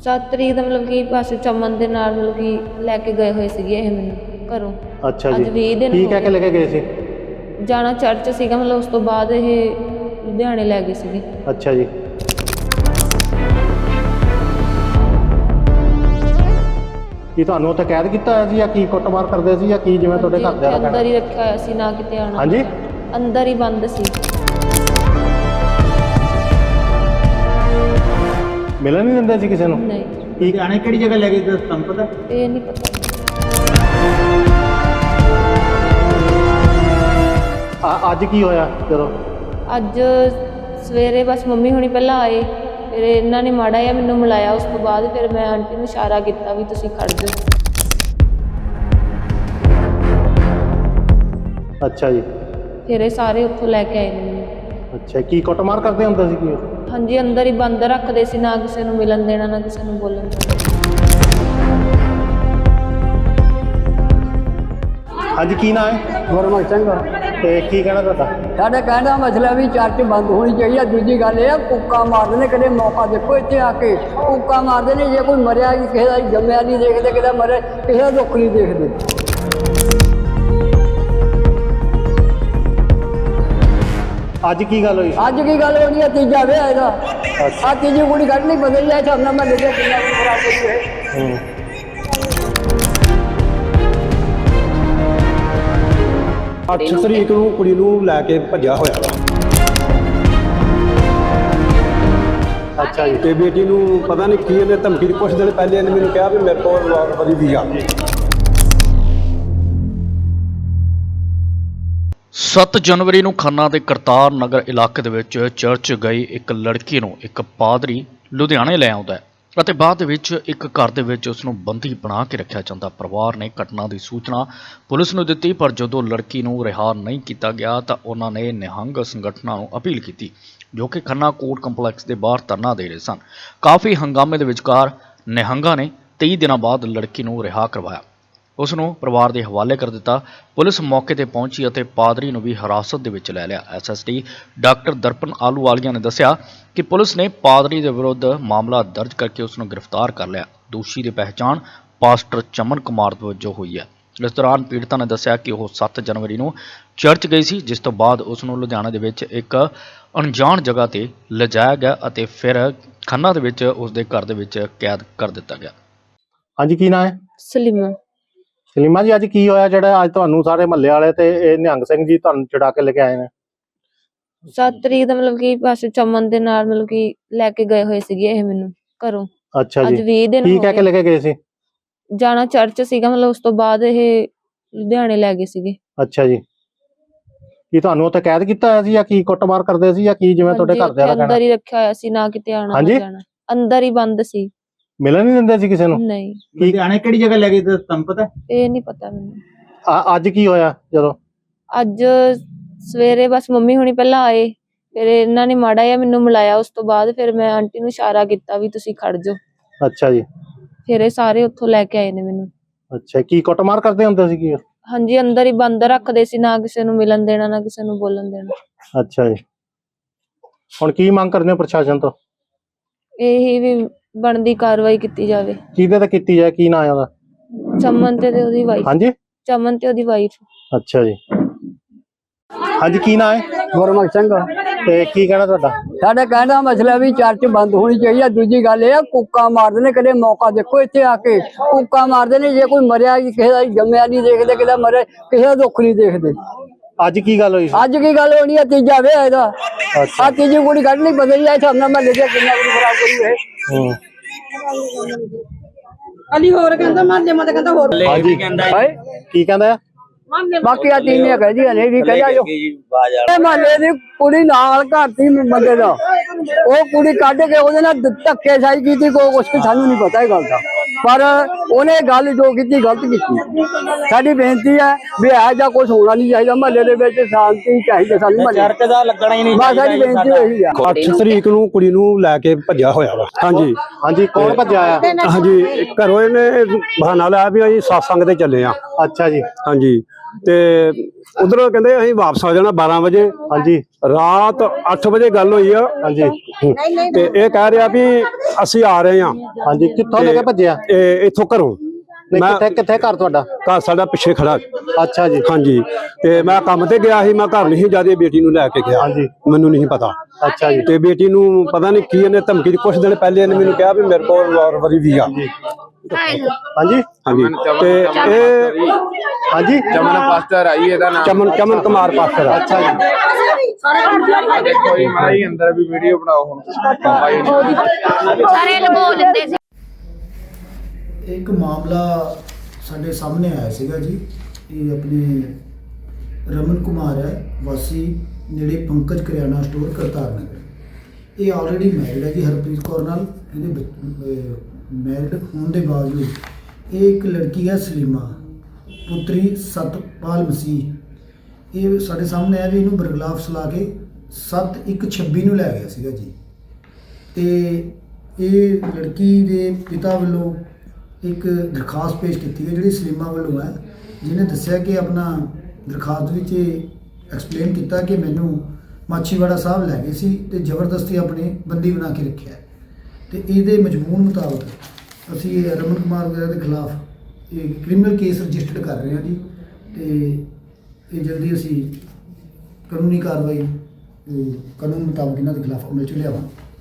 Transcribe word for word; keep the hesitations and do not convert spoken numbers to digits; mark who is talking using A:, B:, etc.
A: ਸੱਤ ਤਰੀਕ ਦਾ ਮਤਲਬ ਕਿ ਬਸ ਚਮਨ ਦੇ ਨਾਲ ਮਤਲਬ ਕਿ ਲੈ ਕੇ ਗਏ ਹੋਏ ਸੀਗੇ ਇਹ ਮੈਨੂੰ ਘਰੋਂ।
B: ਅੱਛਾ ਜੀ।
A: ਅੱਜ ਵੀਹ ਦਿਨ
B: ਕੀ
A: ਹੋ
B: ਕਹਿ ਕੇ
A: ਗਏ।
B: ਲੈ ਕੇ ਗਏ ਸੀ?
A: ਜਾਣਾ ਚਰਚ ਸੀਗਾ, ਮਤਲਬ ਉਸ ਤੋਂ ਬਾਅਦ ਇਹ ਲੁਧਿਆਣੇ ਲੈ ਗਏ ਸੀਗੇ।
B: ਅੱਛਾ ਜੀ। ਕੀ ਤੁਹਾਨੂੰ ਉੱਥੇ ਕੈਦ ਕੀਤਾ ਹੋਇਆ ਸੀ ਜਾਂ ਕੀ ਕੁੱਟਮਾਰ ਕਰਦੇ ਸੀ ਜਾਂ ਕੀ, ਜਿਵੇਂ ਤੁਹਾਡੇ ਘਰ ਦੇ
A: ਅੰਦਰ ਹੀ ਰੱਖਿਆ ਹੋਇਆ ਸੀ, ਨਾ ਕਿਤੇ ਆਉਣਾ।
B: ਹਾਂਜੀ,
A: ਅੰਦਰ ਹੀ ਬੰਦ ਸੀ।
B: ਮਿਲਣ ਨਹੀਂ ਦਿੰਦੇ ਸੀ ਕਿਸੇ ਨੂੰ?
A: ਨਹੀਂ।
B: ਕੀ ਆਣੇ ਕਿਹੜੀ ਜਗ੍ਹਾ ਲੈ ਗਏ ਤੁਹਾਨੂੰ ਪਤਾ?
A: ਇਹ ਨਹੀਂ ਪਤਾ।
B: ਆ ਅੱਜ ਕੀ ਹੋਇਆ ਜਦੋਂ?
A: ਅੱਜ ਸਵੇਰੇ ਬਸ ਮੰਮੀ ਹੁਣੀ ਪਹਿਲਾਂ ਆਏ, ਫਿਰ ਇਹਨਾਂ ਨੇ ਮਾੜਾ ਜਿਹਾ ਮੈਨੂੰ ਮਿਲਾਇਆ। ਉਸ ਤੋਂ ਬਾਅਦ ਫਿਰ ਮੈਂ ਆਂਟੀ ਨੂੰ ਇਸ਼ਾਰਾ ਕੀਤਾ ਵੀ ਤੁਸੀਂ ਖੜ ਜਾਓ।
B: ਅੱਛਾ ਜੀ।
A: ਫਿਰ ਇਹ ਸਾਰੇ ਉੱਥੋਂ ਲੈ ਕੇ ਆਏ ਨੇ ਮੈਨੂੰ।
B: ਅੱਛਾ, ਕੀ ਕੁੱਟਮਾਰ ਕਰਦੇ ਹੁੰਦੇ ਸੀ ਕੀ?
A: ਹਾਂਜੀ, ਅੰਦਰ ਹੀ ਬੰਦ ਰੱਖਦੇ ਸੀ, ਨਾ ਕਿਸੇ ਨੂੰ ਮਿਲਣ ਦੇਣਾ, ਨਾ ਕਿਸੇ ਨੂੰ ਬੋਲਣ ਦੇਣਾ।
B: ਹਾਂਜੀ, ਕੀ ਨਾਂ ਹੈ?
C: ਗੁਰਮੁਖ ਸਿੰਘ।
B: ਤੇ ਕੀ ਕਹਿਣਾ ਤੁਹਾਡਾ?
C: ਸਾਡਾ ਕਹਿਣ ਦਾ ਮਸਲਾ ਵੀ ਚਰਚ ਬੰਦ ਹੋਣੀ ਚਾਹੀਦੀ ਹੈ। ਦੂਜੀ ਗੱਲ ਇਹ ਆ, ਕੁੱਕਾ ਮਾਰਦੇ ਨੇ, ਕਦੇ ਮੌਕਾ ਦੇਖੋ ਇੱਥੇ ਆ ਕੇ ਕੁੱਕਾ ਮਾਰਦੇ ਨੇ। ਜੇ ਕੋਈ ਮਰਿਆ, ਕਿਸੇ ਦਾ ਜੰਮਿਆ ਨਹੀਂ ਦੇਖਦੇ, ਕਿਸੇ ਦਾ ਮਰਿਆ, ਕਿਸੇ ਦਾ ਦੁੱਖ ਨਹੀਂ ਦੇਖਦੇ।
B: ਅੱਜ ਕੀ ਗੱਲ ਹੋਈ?
C: ਅੱਜ ਕੀ ਗੱਲ ਹੋਣੀ ਹੈ? ਤੀਜਾ ਵਿਆਹ ਇਹਦਾ। ਆ ਤੀਜੀ ਕੁੜੀ ਕੱਢਣੀ ਬਦਲ ਜਾਏ ਤਾਂ ਮੈਂ ਲੈ ਕੇ ਕਿੰਨਾ ਵੀ ਖਰਾਬ ਹੋਈ ਹੈ।
D: ਅੱਠ ਤਰੀਕ ਨੂੰ ਕੁੜੀ ਨੂੰ ਲੈ ਕੇ ਭੱਜਿਆ ਹੋਇਆ ਵਾ।
B: ਅੱਛਾ ਜੀ।
D: ਤੇ ਬੇਟੀ ਨੂੰ ਪਤਾ ਨਹੀਂ ਕੀ ਇਹਨੇ ਧਮਕੀ ਦੀ, ਕੁਛ ਦਿਨ ਪਹਿਲੇ ਇਹਨੇ ਮੈਨੂੰ ਕਿਹਾ ਵੀ ਮੇਰੇ ਕੋਲ ਵਾਰੀ ਦੀ ਆ।
E: ਸੱਤ ਜਨਵਰੀ ਨੂੰ ਖੰਨਾ ਦੇ ਕਰਤਾਰ ਨਗਰ ਇਲਾਕੇ ਦੇ ਵਿੱਚ ਚਰਚ ਗਈ ਇੱਕ ਲੜਕੀ ਨੂੰ ਇੱਕ ਪਾਦਰੀ ਲੁਧਿਆਣੇ ਲੈ ਆਉਂਦਾ ਹੈ ਅਤੇ ਬਾਅਦ ਦੇ ਵਿੱਚ ਇੱਕ ਘਰ ਦੇ ਵਿੱਚ ਉਸ ਨੂੰ ਬੰਦੀ ਬਣਾ ਕੇ ਰੱਖਿਆ ਜਾਂਦਾ। ਪਰਿਵਾਰ ਨੇ ਘਟਨਾ ਦੀ ਸੂਚਨਾ ਪੁਲਿਸ ਨੂੰ ਦਿੱਤੀ, ਪਰ ਜਦੋਂ ਲੜਕੀ ਨੂੰ ਰਿਹਾ ਨਹੀਂ ਕੀਤਾ ਗਿਆ ਤਾਂ ਉਹਨਾਂ ਨੇ ਨਿਹੰਗ ਸੰਗਠਨਾਂ ਨੂੰ ਅਪੀਲ ਕੀਤੀ, ਜੋ ਕਿ ਖੰਨਾ ਕੋਰਟ ਕੰਪਲੈਕਸ ਦੇ ਬਾਹਰ ਧਰਨਾ ਦੇ ਰਹੇ ਸਨ। ਕਾਫੀ ਹੰਗਾਮੇ ਦੇ ਵਿਚਕਾਰ ਨਿਹੰਗਾਂ ਨੇ ਤੇਈ ਦਿਨਾਂ ਬਾਅਦ ਲੜਕੀ ਨੂੰ ਰਿਹਾ ਕਰਵਾਇਆ, ਉਸ ਨੂੰ ਪਰਿਵਾਰ ਦੇ ਹਵਾਲੇ ਕਰ ਦਿੱਤਾ। ਪੁਲਿਸ ਮੌਕੇ ਤੇ ਪਹੁੰਚੀ ਅਤੇ ਪਾਦਰੀ ਨੂੰ ਵੀ ਹਿਰਾਸਤ ਦੇ ਵਿੱਚ ਲੈ ਲਿਆ। ਐਸਐਸਟੀ ਡਾਕਟਰ ਦਰਪਨ ਆਲੂਵਾਲੀਆ ਨੇ ਦੱਸਿਆ ਕਿ ਪੁਲਿਸ ਨੇ ਪਾਦਰੀ ਦੇ ਵਿਰੁੱਧ ਮਾਮਲਾ ਦਰਜ ਕਰਕੇ ਉਸ ਨੂੰ ਗ੍ਰਿਫਤਾਰ ਕਰ ਲਿਆ। ਦੋਸ਼ੀ ਦੀ ਪਹਿਚਾਣ ਪਾਸਟਰ ਚਮਨ ਕੁਮਾਰ ਵਜੋਂ ਹੋਈ ਹੈ। ਇਸ ਦੌਰਾਨ ਪੀੜਤਾ ਨੇ ਦੱਸਿਆ ਕਿ ਉਹ ਸੱਤ ਜਨਵਰੀ ਨੂੰ ਚਰਚ ਗਈ ਸੀ, ਜਿਸ ਤੋਂ ਬਾਅਦ ਉਸ ਨੂੰ ਲੁਧਿਆਣਾ ਦੇ ਵਿੱਚ ਇੱਕ ਅਣਜਾਣ ਜਗ੍ਹਾ ਤੇ ਲਿਜਾਇਆ ਗਿਆ ਅਤੇ ਫਿਰ ਖੰਨਾ ਦੇ ਵਿੱਚ ਉਸ ਦੇ ਘਰ ਦੇ ਵਿੱਚ ਕੈਦ ਕਰ ਦਿੱਤਾ ਗਿਆ।
B: ਹਾਂਜੀ, ਕੀ ਨਾਂ ਹੈ?
A: ਸਲੀਮਾ।
B: ਸਲੀਮਾ ਜੀ, ਅੱਜ ਕੀ ਹੋਇਆ ਜਿਹੜਾ ਅੱਜ ਤੁਹਾਨੂੰ ਸਾਰੇ ਮਹੱਲੇ ਵਾਲੇ ਤੇ ਇਹ ਨਿਹੰਗ ਸਿੰਘ ਜੀ ਤੁਹਾਨੂੰ ਛੁਡਾ ਕੇ ਲੈ ਕੇ ਆਏ ਨੇ?
A: ਸੱਤ ਤਰੀਕ ਦਾ ਮਤਲਬ ਕਿ ਬਸ ਚਮਨ ਦੇ ਨਾਲ ਮਤਲਬ ਕਿ ਲੈ ਕੇ ਗਏ ਹੋਏ ਸੀਗੇ ਇਹ ਮੈਨੂੰ ਘਰੋਂ।
B: ਅੱਛਾ
A: ਅੱਜ
B: ਜੀ।
A: ਵੀਹ ਦਿਨ
B: ਕੀ
A: ਹੋ
B: ਕਹਿ ਕੇ
A: ਗਏ।
B: ਲੈ ਕੇ ਗਏ ਸੀ?
A: ਜਾਣਾ ਚਰਚ ਸੀਗਾ, ਮਤਲਬ ਉਸ ਤੋਂ ਬਾਅਦ ਇਹ ਲੁਧਿਆਣੇ ਲੈ ਗਏ ਸੀਗੇ।
B: ਅੱਛਾ ਜੀ। ਕੀ ਤੁਹਾਨੂੰ ਉੱਥੇ ਕੈਦ ਕੀਤਾ ਹੋਇਆ ਸੀ ਜਾਂ ਕੀ ਕੁੱਟਮਾਰ ਕਰਦੇ ਸੀ ਜਾਂ ਕੀ, ਜਿਵੇਂ ਤੁਹਾਡੇ ਘਰ ਦੇ?
A: ਅੰਦਰ ਹੀ ਰੱਖਿਆ ਹੋਇਆ ਸੀ, ਨਾ ਕਿਤੇ ਆਉਣਾ
B: ਹਾਂਜੀ?
A: ਨਾ ਜਾਣਾ। ਅੰਦਰ ਹੀ ਬੰਦ ਸੀ।
B: ਮਿਲਣ ਨਹੀਂ ਦਿੰਦੇ ਸੀ ਕਿਸੇ ਨੂੰ?
A: ਨਹੀਂ।
B: ਕੀ ਆਣੇ ਕਿਹੜੀ ਜਗ੍ਹਾ ਲੈ ਗਏ ਤੁਹਾਨੂੰ ਪਤਾ?
A: ਇਹ ਨਹੀਂ ਪਤਾ ਮੈਨੂੰ।
B: ਆ ਅੱਜ ਕੀ ਹੋਇਆ ਜਦੋਂ?
A: ਅੱਜ ਸਵੇਰੇ ਬਸ ਮੰਮੀ ਹੁਣੀ ਪਹਿਲਾਂ ਆਏ, ਫਿਰ ਇਹਨਾਂ ਨੇ ਮਾੜਾ ਜਿਹਾ ਮੈਨੂੰ ਮਿਲਾਇਆ। ਉਸ ਤੋਂ ਬਾਅਦ ਫਿਰ ਮੈਂ ਆਂਟੀ ਨੂੰ ਇਸ਼ਾਰਾ ਕੀਤਾ ਵੀ ਤੁਸੀਂ ਖੜ ਜਾਓ।
B: ਅੱਛਾ ਜੀ।
A: ਫਿਰ ਇਹ ਸਾਰੇ ਉੱਥੋਂ ਲੈ ਕੇ ਆਏ ਨੇ ਮੈਨੂੰ।
B: ਅੱਛਾ, ਕੀ ਕੁੱਟਮਾਰ ਕਰਦੇ ਹੁੰਦੇ ਸੀ ਕੀ?
A: ਹਾਂਜੀ, ਅੰਦਰ ਹੀ ਬੰਦ ਰੱਖਦੇ ਸੀ, ਨਾ ਕਿਸੇ ਨੂੰ ਮਿਲਣ ਦੇਣਾ, ਨਾ ਕਿਸੇ ਨੂੰ ਬੋਲਣ ਦੇਣਾ।
B: ਅੱਛਾ ਜੀ। ਹੁਣ ਕੀ ਮੰਗ ਕਰਦੇ ਹੋ ਪ੍ਰਸ਼ਾਸਨ ਤੋਂ?
A: ਇਹੀ ਵੀ ਬਣਦੀ ਕਾਰਵਾਈ ਕੀਤੀ ਜਾਵੇ।
B: ਕਿਹਦੇ ਤੇ ਕੀਤੀ ਜਾਏ? ਕੀ ਨਾਂ ਹੈ ਉਹਦਾ?
A: ਚਮਨ ਤੇ ਉਹਦੀ ਵਾਈਫ।
B: ਹਾਂਜੀ,
A: ਚਮਨ ਤੇ ਉਹਦੀ ਵਾਈਫ।
B: ਅੱਛਾ ਜੀ। ਹਾਂਜੀ, ਕੀ ਨਾਂ ਹੈ?
C: ਗੁਰਮੁਖ ਸਿੰਘ।
B: ਤੇ ਕੀ ਕਹਿਣਾ ਤੁਹਾਡਾ?
C: ਸਾਡਾ ਕਹਿਣ ਦਾ ਮਸਲਾ ਵੀ ਚਰਚ ਬੰਦ ਹੋਣੀ ਚਾਹੀਦੀ ਹੈ। ਦੂਜੀ ਗੱਲ ਇਹ ਆ, ਕੁੱਕਾ ਮਾਰਦੇ ਨੇ, ਕਦੇ ਮੌਕਾ ਦੇਖੋ ਇੱਥੇ ਆ ਕੇ ਕੁੱਕਾ ਮਾਰਦੇ ਨੇ। ਜੇ ਕੋਈ ਮਰਿਆ, ਕਿਸੇ ਦਾ ਜੰਮਿਆ ਨਹੀਂ ਦੇਖਦੇ, ਕਿਸੇ ਦਾ ਮਰਿਆ, ਕਿਸੇ ਦਾ ਦੁੱਖ ਨਹੀਂ ਦੇਖਦੇ।
B: ਅੱਜ ਕੀ ਗੱਲ ਹੋਈ?
C: ਅੱਜ ਕੀ ਗੱਲ ਹੋਣੀ ਹੈ? ਤੀਜਾ ਵਿਆਹ ਇਹਦਾ। ਆ ਤੀਜੀ ਕੁੜੀ ਕੱਢਣੀ ਬਦਲ ਜਾਏ ਤਾਂ ਮੈਂ ਲੈ ਕੇ ਕਿੰਨਾ ਵੀ ਖਰਾਬ ਹੋਈ ਹੈ।
B: ਹੂੰ।
F: ਅਲੀ ਹੋਰ ਕਹਿੰਦਾ ਮਾਲੇ ਮਤ ਕਹਿੰਦਾ ਹੋਰ
B: ਹਾਂਜੀ, ਕੀ ਕਹਿੰਦਾ ਆ?
C: ਬਾਕੀ ਆ ਤੀਨੇ ਕਹਦੀਆਂ ਨੇ ਵੀ ਕਹਿਆ ਜੋ ਇਹ ਮਾਲੇ ਦੀ ਕੁੜੀ ਨਾਲ ਘਰ ਦੀ ਬੰਦੇ ਦਾ, ਉਹ ਕੁੜੀ ਕੱਢ ਕੇ ਉਹਦੇ ਨਾਲ ਧੱਕੇ ਸਾਈ ਕੀਤੀ। ਕੋਈ ਕੁਛ ਸਾਨੂੰ ਨਹੀਂ ਪਤਾ ਇਹ ਗੱਲ ਦਾ, ਪਰ ਉਹਨੇ ਗੱਲ ਜੋ ਕੀਤੀ ਗਲਤ ਕੀਤੀ। ਸਾਡੀ ਬੇਨਤੀ ਹੈ ਵੀ ਇਹੋ ਜਿਹਾ ਕੁਛ ਹੋਣਾ ਨਹੀਂ ਚਾਹੀਦਾ। ਮਹੱਲੇ ਦੇ ਵਿੱਚ ਸ਼ਾਂਤੀ ਚਾਹੀਦੀ ਸਾਨੂੰ।
F: ਚਰਚ ਦਾ ਲੱਗਣਾ ਹੀ ਨਹੀਂ।
C: ਬਸ ਸਾਡੀ ਬੇਨਤੀ ਇਹੀ ਆ।
D: ਅੱਠ ਤਰੀਕ ਨੂੰ ਕੁੜੀ ਨੂੰ ਲੈ ਕੇ ਭੱਜਿਆ ਹੋਇਆ ਵਾ। ਹਾਂਜੀ
B: ਹਾਂਜੀ, ਕੌਣ ਭੱਜਿਆ ਆ?
D: ਹਾਂਜੀ, ਘਰੋਂ ਇਹਨੇ ਬਹਾਨਾ ਲਾਇਆ ਵੀ ਅਸੀਂ ਸਤਸੰਗ ਤੇ ਚੱਲੇ ਆ।
B: ਅੱਛਾ ਜੀ।
D: ਹਾਂਜੀ, ਤੇ ਉਧਰੋਂ ਕਹਿੰਦੇ ਅਸੀਂ ਵਾਪਸ ਆ ਜਾਣਾ ਬਾਰਾਂ ਵਜੇ।
B: ਹਾਂਜੀ
D: ਰਾਤ ਅੱਠ ਵਜੇ ਗੱਲ ਹੋਈ ਆ।
B: ਹਾਂਜੀ
D: ਤੇ ਇਹ ਕਹਿ ਰਿਹਾ ਵੀ ਅਸੀਂ ਆ ਰਹੇ ਹਾਂ।
B: ਹਾਂਜੀ ਕਿੱਥੋਂ ਲੈ ਕੇ ਭੱਜਿਆ?
D: ਇਹ ਇੱਥੋਂ ਘਰੋਂ।
B: ਨਹੀਂ
D: ਮੈਂ
B: ਕਿੱਥੇ ਕਿੱਥੇ ਘਰ ਤੁਹਾਡਾ?
D: ਘਰ ਸਾਡਾ ਪਿੱਛੇ ਖੜਾ।
B: ਅੱਛਾ ਜੀ।
D: ਹਾਂਜੀ ਤੇ ਮੈਂ ਕੰਮ ਤੇ ਗਿਆ ਸੀ, ਮੈਂ ਘਰ ਨਹੀਂ ਜਿਆਦੇ ਬੇਟੀ ਨੂੰ ਲੈ ਕੇ ਗਿਆ।
B: ਹਾਂਜੀ
D: ਮੈਨੂੰ ਨਹੀਂ ਪਤਾ।
B: ਅੱਛਾ ਜੀ।
D: ਤੇ ਬੇਟੀ ਨੂੰ ਪਤਾ ਨਹੀਂ ਕੀ ਇਹਨੇ ਧਮਕੀ ਦੀ, ਕੁਛ ਦਿਨ ਪਹਿਲੇ ਇਹਨੇ ਮੈਨੂੰ ਕਿਹਾ ਵੀ ਮੇਰੇ ਕੋਲ ਰਿਵਾਲਵਰ ਵੀ ਆ।
B: ਹਾਂਜੀ
D: ਹਾਂਜੀ ਤੇ ਇਹ
B: ਹਾਂਜੀ
G: ਚਮਨ ਪਾਸਟਰ ਆਈ ਇਹਦਾ ਨਾਮ।
D: ਚਮਨ ਚਮਨ ਕੁਮਾਰ ਪਾਸਟਰ ਆ।
B: ਅੱਛਾ ਜੀ।
G: ਦੇਖੋ ਜੀ ਮਾਈ ਅੰਦਰ ਵੀ ਵੀਡੀਓ ਬਣਾਓ ਹੁਣ ਪਾਪਾ ਜੀ
A: ਸਾਰੇ ਲਗੋ ਲੈਂਦੇ ਸੀ।
H: ਇੱਕ ਮਾਮਲਾ ਸਾਡੇ ਸਾਹਮਣੇ ਆਇਆ ਸੀਗਾ ਜੀ। ਇਹ ਆਪਣੇ ਰਮਨ ਕੁਮਾਰ ਹੈ, ਵਾਸੀ ਨੇੜੇ ਪੰਕਜ ਕਰਿਆਨਾ ਸਟੋਰ ਕਰਤਾਰ ਨਗਰ। ਇਹ ਆਲਰੇਡੀ ਮੈਰਿਡ ਹੈ ਜੀ ਹਰਪ੍ਰੀਤ ਕੌਰ ਨਾਲ। ਇਹਦੇ ਮੈਰਿਡ ਹੋਣ ਦੇ ਬਾਵਜੂਦ ਇਹ ਇੱਕ ਲੜਕੀ ਹੈ ਸਲੀਮਾ ਪੁੱਤਰੀ ਸਤਪਾਲ ਮਸੀਹ। ਇਹ ਸਾਡੇ ਸਾਹਮਣੇ ਆਇਆ ਵੀ ਇਹਨੂੰ ਬਰਗਲਾਫ ਸਲਾ ਕੇ ਸੱਤ ਇੱਕ ਛੱਬੀ ਨੂੰ ਲੈ ਗਿਆ ਸੀਗਾ ਜੀ। ਤੇ ਇਹ ਲੜਕੀ ਦੇ ਪਿਤਾ ਵੱਲੋਂ ਇੱਕ ਦਰਖਾਸਤ ਪੇਸ਼ ਕੀਤੀ ਹੈ ਜਿਹੜੀ ਸਲੀਮਾ ਵੱਲੋਂ ਹੈ, ਜਿਹਨੇ ਦੱਸਿਆ ਕਿ ਆਪਣਾ ਦਰਖਾਸਤ ਵਿੱਚ ਐਕਸਪਲੇਨ ਕੀਤਾ ਕਿ ਮੈਨੂੰ ਮਾਛੀਵਾੜਾ ਸਾਹਿਬ ਲੈ ਗਏ ਸੀ ਤੇ ਜ਼ਬਰਦਸਤੀ ਆਪਣੇ ਬੰਦੀ ਬਣਾ ਕੇ ਰੱਖਿਆ। ਤੇ ਇਹਦੇ ਮਜ਼ਮੂਨ ਮੁਤਾਬਕ ਅਸੀਂ ਰਮਨ ਕੁਮਾਰ ਵਗੈਰਾ ਦੇ ਖਿਲਾਫ ਇਹ ਕ੍ਰਿਮੀਨਲ ਕੇਸ ਰਜਿਸਟਰਡ ਕਰ ਰਹੇ ਹਾਂ ਜੀ। ਤੇ ਇਹ ਜਲਦੀ ਅਸੀਂ ਕਾਨੂੰਨੀ ਕਾਰਵਾਈ ਕਾਨੂੰਨ ਮੁਤਾਬਕ ਇਹਨਾਂ ਦੇ ਖਿਲਾਫ ਅਮਲ 'ਚ ਲਿਆਵਾਂਗੇ।